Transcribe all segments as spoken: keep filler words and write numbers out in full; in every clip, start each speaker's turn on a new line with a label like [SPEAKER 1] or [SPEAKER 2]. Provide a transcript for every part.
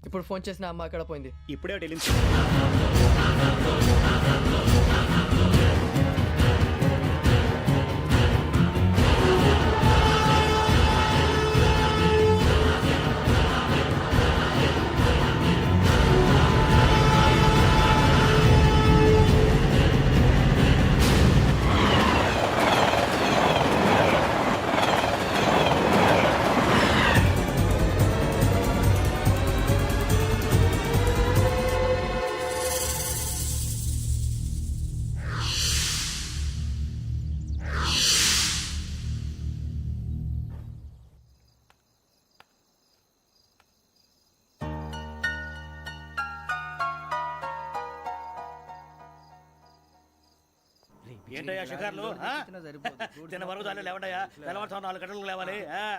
[SPEAKER 1] ఇప్పుడు ఫోన్ చేసిన అమ్మ అక్కడ పోయింది.
[SPEAKER 2] ఇప్పుడే వెళ్ళింది. ఏంటయ్యా షికార్లు? తిన్న వరకు చాలు లేవండయ్యా. తెల్లవారుతో నాలుగు గంటలకు లేవాలి.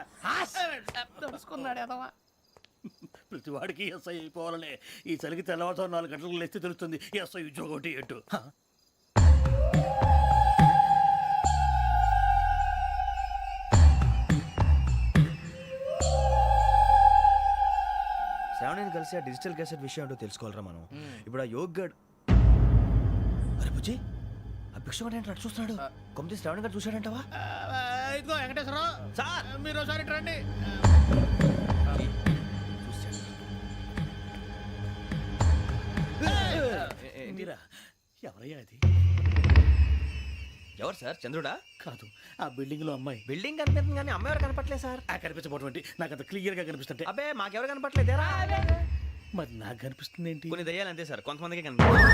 [SPEAKER 2] ప్రతి వాడికి ఎస్ఐ అయిపోవాలనే ఈ చలికి తెల్లవారుతో నాలుగు గంటలకు లేస్తే తెలుస్తుంది ఎస్ఐ ఉద్యోగం ఒకటి ఎటు.
[SPEAKER 3] శ్రావణిని కలిసి ఆ డిజిటల్ క్యాసెట్ విషయం ఏంటో తెలుసుకోవాలరా మనం. ఇప్పుడు ఆ యోగ్ గడ్ అరే బుజ్జి ఆ భిక్షం ఏంటి అటు చూస్తున్నాడు. కొమ్మిది శ్రావణి గారు చూశాడంటవా?
[SPEAKER 2] ఇదిగో వెంకటేశ్వరరావు సార్, మీరు ఒకసారి రండి. ఎవరయ్యా అది?
[SPEAKER 3] ఎవరు సార్? చంద్రుడా?
[SPEAKER 2] కాదు, ఆ బిల్డింగ్ లో అమ్మాయి.
[SPEAKER 3] బిల్డింగ్ కనిపిస్తుంది కానీ అమ్మాయి ఎవరు కనపట్లేదు సార్.
[SPEAKER 2] ఆ కనిపించబోటువంటి నాకు అంత క్లియర్ గా కనిపిస్తుంటే.
[SPEAKER 3] అబ్బే మాకెవరు కనపట్లేదేరా?
[SPEAKER 2] మరి నాకు కనిపిస్తుంది ఏంటి?
[SPEAKER 3] కొన్ని దయ్యాలు అంతే సార్, కొంతమందికి కనిపిస్తుంది.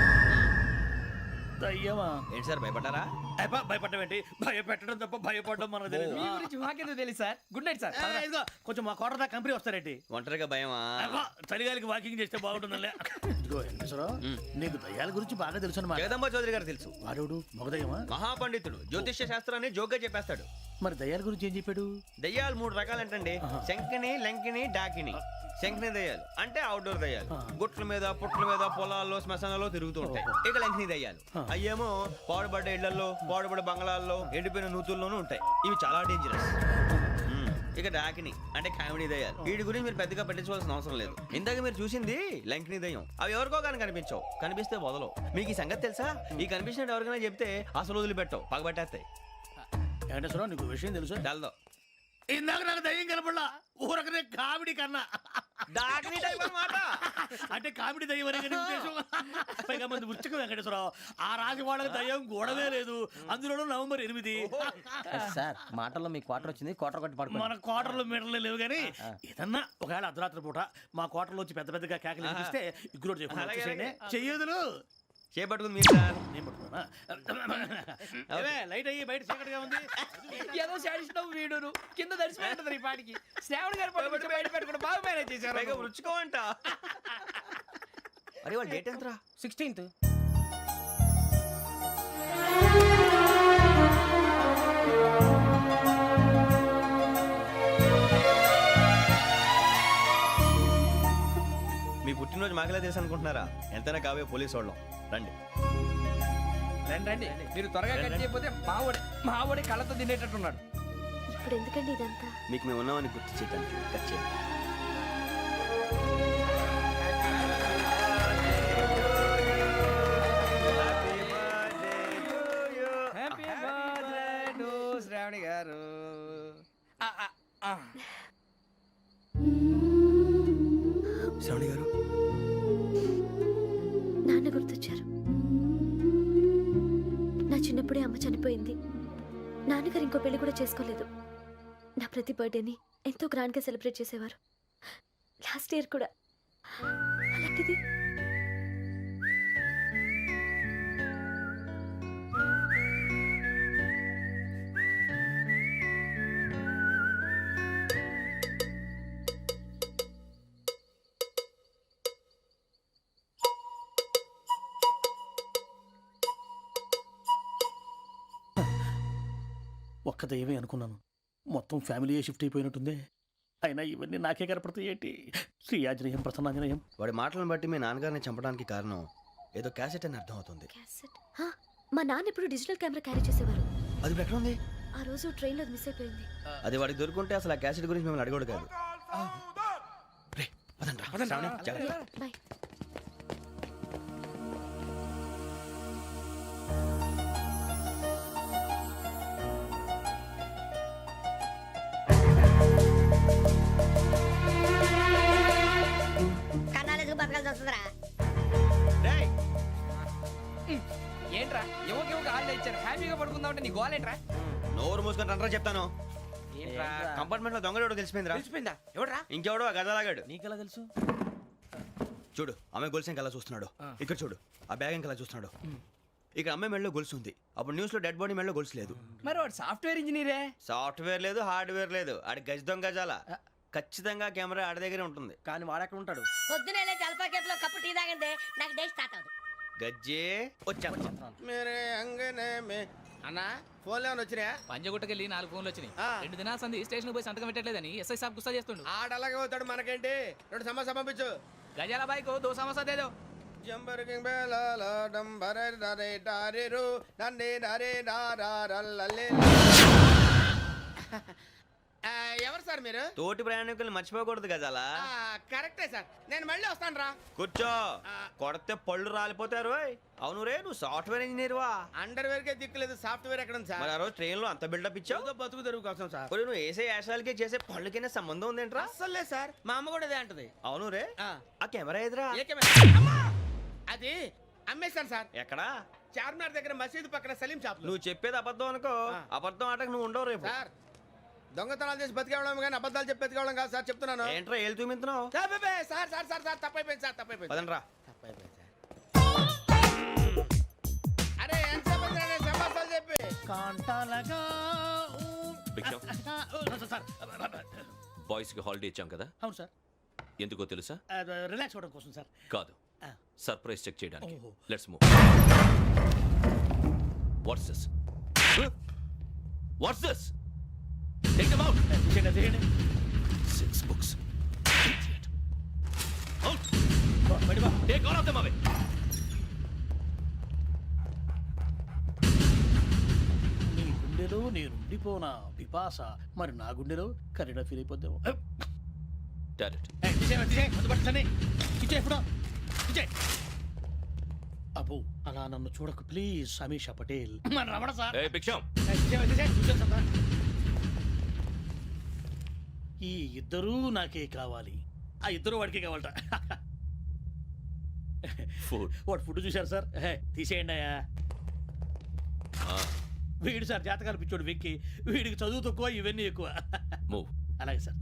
[SPEAKER 2] దయ్యమా?
[SPEAKER 3] ఏంటి సార్ భయపడ్డారా?
[SPEAKER 2] భయపడడం ఏంటి? భయపెట్టడం తప్ప భయపడడం మనకు తెలియదు.
[SPEAKER 1] మీ గురించి మాకెందుకు తెలుసు సార్? Good night sir.
[SPEAKER 2] ఇదిగో కొంచెం మా కోట దాకా కంపెనీ వస్తారేంటి?
[SPEAKER 3] ఒంటరిగా భయమా?
[SPEAKER 2] చలిగాలికి వాకింగ్ చేస్తే బాగుంటుందిలే. ఇదిగో వెంకటేశ్వరరావు, నీకు దయ్యాల గురించి బాగా తెలుసు అన్నమాట.
[SPEAKER 3] జగదంబ చౌదరి గారు తెలుసు.
[SPEAKER 2] వాడు మగదయ్యమా?
[SPEAKER 3] మహాపండితుడు, జ్యోతిష్య శాస్త్రాన్ని జోగ్గా చెప్పేస్తాడు.
[SPEAKER 2] మరి దయ్యాల గురించి ఏం చెప్పాడు?
[SPEAKER 3] దయ్యాలు మూడు రకాలంటండి, శంకిని, లంకిని, డాకిని. శంకిని దయ్యాలు అంటే అవుట్డోర్ దయ్యాలు, గుట్ల మీద పుట్ల మీద పొలాల్లో శ్మశానాల్లో తిరుగుతూ ఉంటాయి. ఇక లంకిని దయ్యాలు అయ్యేమో పాడుబడ్డ ఇళ్లలో, పాడుబడ్డ బంగ్లాల్లో, ఎండిపోయిన నూతుల్లోనూ ఉంటాయి. ఇవి చాలా డేంజరస్. ఇక డాకిని అంటే కామెడీ దయ్యాలు. వీటి గురించి మీరు పెద్దగా పట్టించుకోవాల్సిన అవసరం లేదు. ఇందాక మీరు చూసింది లంకిని దయ్యం. అవి ఎవరికో కానీ కనిపించవు, కనిపిస్తే వదలవు. మీకు ఈ సంగతి తెలుసా? ఈ కనిపించినట్టు ఎవరికైనా చెప్తే అసలు వదిలిపెట్టవు, పగబట్టేస్తాయి.
[SPEAKER 2] వెంకటేశ్వరరావు, నీకు విషయం తెలుసు?
[SPEAKER 3] తెలదో.
[SPEAKER 2] ఇందాక నాకు దయ్యం కనపడలా, ఊరకనే కామెడీ కన్నా.
[SPEAKER 3] డాకిని టైప్ అన్నమాట.
[SPEAKER 2] అంటే కామెడీ దయ్యం అనే ఉద్దేశం. పైగా మంది ఉచ్చకం వెంకటేశ్వరరావు. ఆ రాజు వాళ్ళకి దయ్యం గొడవే లేదు. అందులోనూ నవంబర్ ఎనిమిది.
[SPEAKER 1] సార్ మాటల్లో మీ క్వార్టర్ వచ్చింది, క్వార్టర్ కొట్టి పడుకో.
[SPEAKER 2] మన క్వార్టర్లో మీటర్లు లేవు కానీ ఏదన్నా ఒకవేళ అర్ధరాత్రి పూట మా క్వార్టర్లో వచ్చి పెద్ద పెద్దగా కేకలు వినిపిస్తే ఇగ్గురు చేయకుండా చెయ్యదులు
[SPEAKER 3] చేపట్టుకుంది మీరు సార్.
[SPEAKER 2] నేను పట్టుకున్నా. లైట్ అయ్యి బయట చీకటిగా ఉంది.
[SPEAKER 1] ఏదో శాడిస్తావు వీడును కింద దర్శనం ఈ పాటికి. శ్రావణ్ గారు పట్టుబడి బయట పెట్టుకుంటే బాగా మేనేజ్ చేశారు.
[SPEAKER 3] పైగా రుచుకోవంట. అరే వాళ్ళ డేట్ ఎంతరా?
[SPEAKER 1] సిక్స్టీన్త్.
[SPEAKER 3] మీ పుట్టినరోజు మాకలే తెలుసు అనుకుంటున్నారా? ఎంతైనా కావే పోలీసు వాళ్ళం. రండి
[SPEAKER 1] రండి రండి. మీరు త్వరగా కట్ చేయకపోతే మావడి మావడి కళ్ళతో తినేటట్టున్నాడు.
[SPEAKER 4] ఇప్పుడు ఎందుకండి ఇదంతా?
[SPEAKER 3] మీకు మేము ఉన్నామని గుర్తు చేయడానికి కట్ చేయండి.
[SPEAKER 1] హ్యాపీ బర్త్డే టు శ్రావణి గారు.
[SPEAKER 3] శ్రావణి గారు
[SPEAKER 4] నాన్న గుర్తొచ్చారు. నా చిన్నప్పుడే అమ్మ చనిపోయింది. నాన్నగారు ఇంకో పెళ్లి కూడా చేసుకోలేదు. నా ప్రతి బర్త్డేని ఎంతో గ్రాండ్గా సెలబ్రేట్ చేసేవారు. లాస్ట్ ఇయర్ కూడా. అలాంటిది
[SPEAKER 2] ఒక్క దయ్యమే అనుకున్నాను, మొత్తం ఫ్యామిలీ షిఫ్ట్ అయిపోయినట్టుంది. అయినా ఇవన్నీ నాకే కనపడతాయి ఏంటి? శ్రీ ఆంజనేయం ప్రసన్నాంజనేయం.
[SPEAKER 3] వాడి మాటలను బట్టి మీ నాన్నగారిని చంపడానికి కారణం ఏదో క్యాసెట్ అని అర్థం అవుతుంది.
[SPEAKER 4] క్యాసెట్? మా నాన్న ఎప్పుడు డిజిటల్ కెమెరా క్యారీ చేసేవారు.
[SPEAKER 3] అది ఇప్పుడు ఎక్కడ ఉంది?
[SPEAKER 4] ఆ రోజు ట్రైన్లో మిస్ అయిపోయింది.
[SPEAKER 3] అది వాడికి దొరుకుంటే అసలు ఆ క్యాసెట్ గురించి మిమ్మల్ని అడగడు కాదు. రే పదండ్రా. శ్రావణి, జాగ్రత్త.
[SPEAKER 4] బాయ్.
[SPEAKER 5] కన్నాలకు బతకాల్సి వస్తుందిరా.
[SPEAKER 3] రేయ్,
[SPEAKER 1] ఏంట్రా ఎవరికి ఎవరికి హాలిడే ఇచ్చారు హ్యాపీగా పడుకుందాం అంటే నీ గోల్ ఏంట్రా
[SPEAKER 3] నోరు మూసుకొని రండ్రా చెప్తాను.
[SPEAKER 1] ఏంట్రా
[SPEAKER 3] కంపార్ట్మెంట్ లో దొంగడు తెలిసిపోయిందిరా.
[SPEAKER 1] తెలిసిపోయిందా ఎవడ్రా
[SPEAKER 3] ఇంకెవడో ఆ గదలాగాడు.
[SPEAKER 2] నీకెలా తెలుసు?
[SPEAKER 3] చూడు ఆమె గొలుసు ఇంకలా చూస్తున్నాడు. ఇక్కడ చూడు ఆ బ్యాగ్ ఇంకలా చూస్తున్నాడు. ఇక్కడ అమ్మాయి మెడలో గొలుసు ఉంది. అప్పుడు న్యూస్ లో డెడ్ బాడీ మెడలో గొలుసు లేదు.
[SPEAKER 1] మరి వాడు సాఫ్ట్వేర్ ఇంజనీరే
[SPEAKER 3] సాఫ్ట్వేర్ లేదు, హార్డ్వేర్ లేదు. ఆడి గజ దొంగ గజాల. ఖచ్చితంగా కెమెరా ఆడి దగ్గరే ఉంటుంది.
[SPEAKER 2] కానీ వాడెక్కడ ఉంటాడు?
[SPEAKER 5] పొద్దునే లేచి అల్పా కేఫ్ లో కప్పు టీ తాగంటే నాకు డే స్టార్ట్ అవుతుంది.
[SPEAKER 3] గజ్జే వచ్చా
[SPEAKER 6] మేరే అంగనే మే అన్నా ఫోన్లో వచ్చినా
[SPEAKER 7] పంజగుట్టకెళ్ళి నాలుగు ఫోన్లు వచ్చినాయి.
[SPEAKER 6] ఆ.
[SPEAKER 7] రెండు దినాల సంది స్టేషన్ పోయి సంతకం పెట్టలేదని ఎస్ఐ సాబ్ గుస్తా చేస్తుండు.
[SPEAKER 6] ఆడలాగే పోతాడు మనకేంటి. రెండు సమస్య పంపించు.
[SPEAKER 7] గజాల బైక్ దో సమస్య దేదో.
[SPEAKER 6] జంబరకింగ్ బేలాల డంబర డరే డారెరు నన్నే నరే నారల్లలే. ఆ, ఎవరు సార్ మీరు?
[SPEAKER 3] తోటి ప్రయాణికుల్ని మర్చిపోకూడదు గజాల.
[SPEAKER 6] ఆ, కరెక్టే సార్, నేను మళ్ళీ వస్తాను రా.
[SPEAKER 3] కూర్చో. కొడితే పళ్ళు రాలిపోతారు. ఓయ్. అవును రే, నువ్వు సాఫ్ట్వేర్ ఇంజనీర్ వా?
[SPEAKER 6] అండర్ వేర్ కే దిక్కులేదు, సాఫ్ట్వేర్ ఎక్కడ ఉంది
[SPEAKER 3] మరి
[SPEAKER 6] సార్?
[SPEAKER 3] ఆ రోజు ట్రైన్ లో అంత బిల్డప్ ఇచ్చావు.
[SPEAKER 6] ఏదో బతుకు తెరువు కోసం సార్.
[SPEAKER 3] ఒరేయ్, నువ్వు వేసే యాశాలకి చేసే పళ్ళకైనా సంబంధం ఉందేంట్రా?
[SPEAKER 6] అస్సలు లేదు సార్, మా అమ్మ కూడా అదే అంటది.
[SPEAKER 3] అవును రే,
[SPEAKER 6] ఆ.
[SPEAKER 3] ఆ కెమెరా ఎదురా
[SPEAKER 6] ఏ కెమెరా? అమ్మా! అది అమ్మేశాను సార్.
[SPEAKER 3] ఎక్కడా?
[SPEAKER 6] చార్మినార్ దగ్గర మసీదు పక్కన సలీం షాప్ లో.
[SPEAKER 3] నువ్వు చెప్పేది అబద్ధం అనుకో.
[SPEAKER 6] ఆ.
[SPEAKER 3] అబద్ధం ఆటకు నువ్వు ఉండవు రేపు.
[SPEAKER 6] సార్ దొంగతనాలు చేసి బతికేవడం కానీ అబద్ధాలు చెప్పి బతికేవడం కాదు సార్, చెప్తున్నాను.
[SPEAKER 3] ఏంట్రా ఏళ్ళు చూపించినావు?
[SPEAKER 6] సార్ బే, బే, సార్ సార్ సార్ సార్ తప్పైపోయింది సార్, తప్పైపోయింది.
[SPEAKER 3] పదండ్రా.
[SPEAKER 6] తప్పైపోయింది సార్. అరే ఎంత చెప్పి సమాసాలు చెప్పి
[SPEAKER 2] కాంటాలగా
[SPEAKER 8] భిక్షం,
[SPEAKER 2] సార్.
[SPEAKER 8] బాయ్స్ కి హాలిడే ఇచ్చాం కదా,
[SPEAKER 2] అవును సార్.
[SPEAKER 8] ఎందుకో తెలుసా?
[SPEAKER 2] రిలాక్స్ అవ్వడం కోసం సార్.
[SPEAKER 8] కాదు,
[SPEAKER 2] ఆ.
[SPEAKER 8] సర్ప్రైజ్ చెక్ చేయడానికి.
[SPEAKER 2] ఓహో.
[SPEAKER 8] Let's move. What's this? What's this? Take them out.
[SPEAKER 2] తీసేయండి, తీసేయండి.
[SPEAKER 8] Six books. అవుట్.
[SPEAKER 2] బయట బా.
[SPEAKER 8] Take all of them away.
[SPEAKER 2] నీ గుండెలో నేనుండిపోనా పిపాస, మరి నా గుండెలో కరీడా ఫీల్ అయిపోద్దాము.
[SPEAKER 8] డైరెక్ట్.
[SPEAKER 2] అబ్బో అలా నన్ను చూడకు ప్లీజ్, సమీషా పటేల్. మన రమణ సార్.
[SPEAKER 8] ఏ భిక్షం,
[SPEAKER 2] ఈ ఇద్దరూ నాకే కావాలి, ఆ ఇద్దరు వాడికే కావాలట.
[SPEAKER 8] ఫుడ్.
[SPEAKER 2] వాడు ఫుడ్ చూశారు సార్. హే, తీసేయండి అయ్యా. వీడు సార్ జాతకాలు పిచ్చోడు వెక్కి, వీడికి చదువు తక్కువ ఇవన్నీ ఎక్కువ.
[SPEAKER 8] మూవ్.
[SPEAKER 2] అలాగే సార్.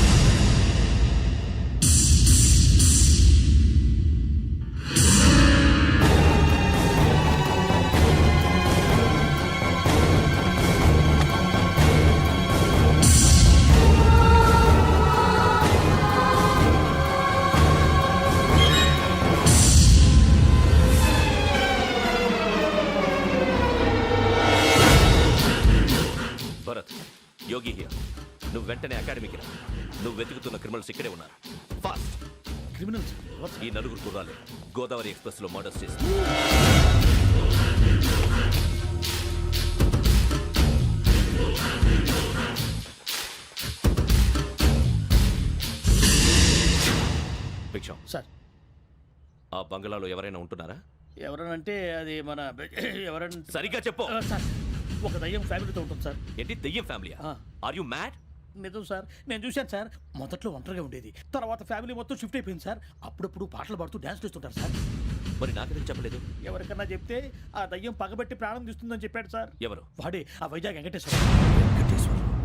[SPEAKER 8] Bharat, Yogi here. నువ్వు వెంటనే అకాడమీకి రా. నువ్వు వెతుకుతున్న క్రిమినల్స్ ఇక్కడే ఉన్నారు. ఫాస్ట్.
[SPEAKER 2] క్రిమినల్స్
[SPEAKER 8] ఈ నలుగురు కుర్రాలు గోదావరి ఎక్స్ప్రెస్ లో మర్డర్స్ చేసి భిక్షం,
[SPEAKER 2] సార్.
[SPEAKER 8] ఆ బంగ్లాలో ఎవరైనా ఉంటున్నారా?
[SPEAKER 2] ఎవరనంటే అది మన ఎవరంటే
[SPEAKER 8] సరిగ్గా చెప్పు.
[SPEAKER 2] ఆ, సార్ ఒక దయ్యం ఫ్యామిలీతో ఉంటుంది సార్.
[SPEAKER 8] ఏంటి దెయ్యం ఫ్యామిలీ?
[SPEAKER 2] ఆ.
[SPEAKER 8] Are you mad?
[SPEAKER 2] నిజం సార్, నేను చూశాను సార్. మొదట్లో ఒంటరిగా ఉండేది, తర్వాత ఫ్యామిలీ మొత్తం షిఫ్ట్ అయిపోయింది సార్. అప్పుడప్పుడు పాటలు పాడుతూ డ్యాన్స్ చేస్తుంటారు సార్.
[SPEAKER 8] మరి నాకెందుకు చెప్పలేదు?
[SPEAKER 2] ఎవరికన్నా చెప్తే ఆ దయ్యం పగబెట్టి ప్రాణం తీస్తుందని చెప్పాడు సార్.
[SPEAKER 8] ఎవరు?
[SPEAKER 2] వాడే ఆ వైజాగ్ వెంకటేశ్వర.
[SPEAKER 8] వెంకటేశ్వర.